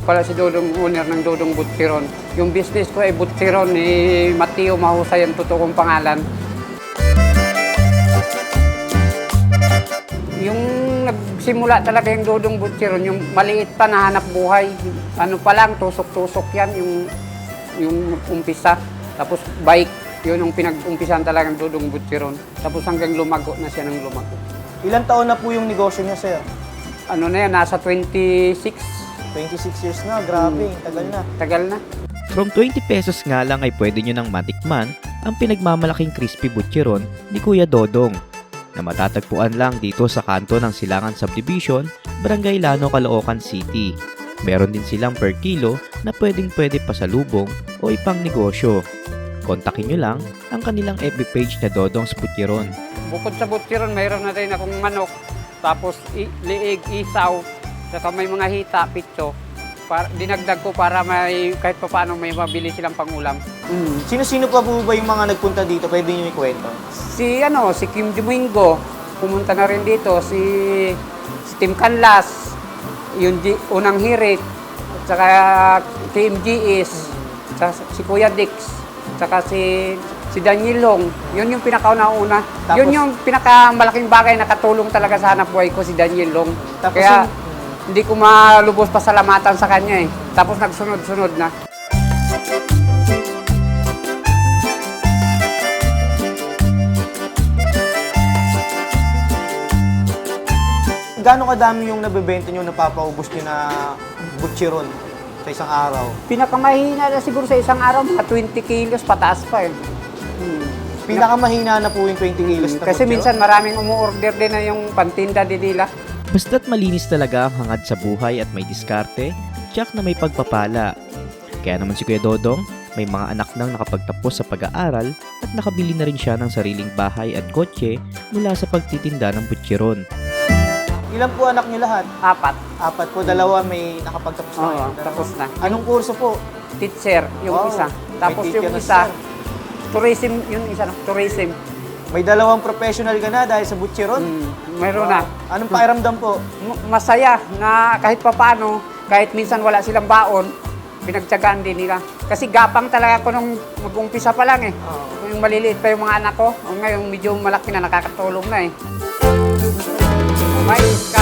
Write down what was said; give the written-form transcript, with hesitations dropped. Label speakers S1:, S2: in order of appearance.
S1: pala si Dodong, owner ng Dodong Butcheron. Yung business ko ay Butcheron ni Mateo Mahusay ang totoo kong pangalan. Yung nagsimula talaga yung Dodong Butcheron, yung maliit pa na hanap buhay. Ano pa lang, tusok-tusok yan, yung umpisa. Tapos bike, yun yung pinag-umpisan talaga ng Dodong Butcheron. Tapos hanggang lumago na siya ng lumago.
S2: Ilang taon na po yung negosyo niya, sir?
S1: Ano na yan, nasa 26.
S2: 26 years na, grabe, tagal na.
S1: Tagal na.
S3: From 20 pesos nga lang ay pwede nyo nang matikman ang pinagmamalaking crispy butcheron ni Kuya Dodong na matatagpuan lang dito sa kanto ng Silangan Subdivision, Barangay Lano, Caloocan City. Meron din silang per kilo na pwedeng-pwede pasalubong o ipang negosyo. Kontakin nyo lang ang kanilang FB page na Dodong's Butcheron.
S1: Bukod sa Butcheron, mayroon na rin akong manok. Tapos liig, isaw, saka may mga hita, pitso. Dinagdag ko para may kahit pa paano may mabili silang pangulam.
S2: Sino-sino pa po ba yung mga nagpunta dito? Pwede niyo ikwento?
S1: Si Kim Domingo, pumunta na rin dito. Si Tim Canlas, yung unang hirit, saka Team GS, saka si Kuya Dix, saka si Daniel Long. Yun yung pinakauna-una. Yun yung pinakamalaking bagay na katulong talaga sa hanap buhay ko, si Daniel Long.
S2: Tapos
S1: Kaya hindi ko malubos pasalamatan sa kanya eh. Tapos nagsunod-sunod na.
S2: Gaano kadami yung nabebenta nyo, napapaubos nyo na butcheron sa isang araw?
S1: Pinakamahina na siguro sa isang araw, mga 20 kilos pataas pa eh.
S2: Pinakamahina na po yung 20 kilos na
S1: Kasi
S2: butcheron?
S1: minsan maraming umu-order din na yung pantinda din nila.
S3: Basta't malinis talaga ang hangad sa buhay at may diskarte, tiyak na may pagpapala. Kaya naman si Kuya Dodong, may mga anak nang nakapagtapos sa pag-aaral at nakabili na rin siya ng sariling bahay at kotse mula sa pagtitinda ng butcheron.
S2: Ilan po anak niyo lahat?
S1: 4.
S2: 4 po, dalawa may nakapagtapos na.
S1: Oo,
S2: Dalawa.
S1: tapos na.
S2: Anong kurso po?
S1: Teacher, yung
S2: Wow,
S1: isa.
S2: may
S1: Tapos
S2: teacher
S1: yung
S2: na
S1: isa,
S2: siya.
S1: tourism, yung isa, tourism.
S2: May dalawang professional ka na dahil sa butcheron?
S1: Mayroon na.
S2: Anong pakiramdam po?
S1: Masaya na kahit papaano, kahit minsan wala silang baon, pinagtyagaan din nila. Kasi gapang talaga ako nung mag-umpisa pa lang eh. Yung maliliit pa yung mga anak ko, ngayon medyo malaki na nakakatulong na eh. May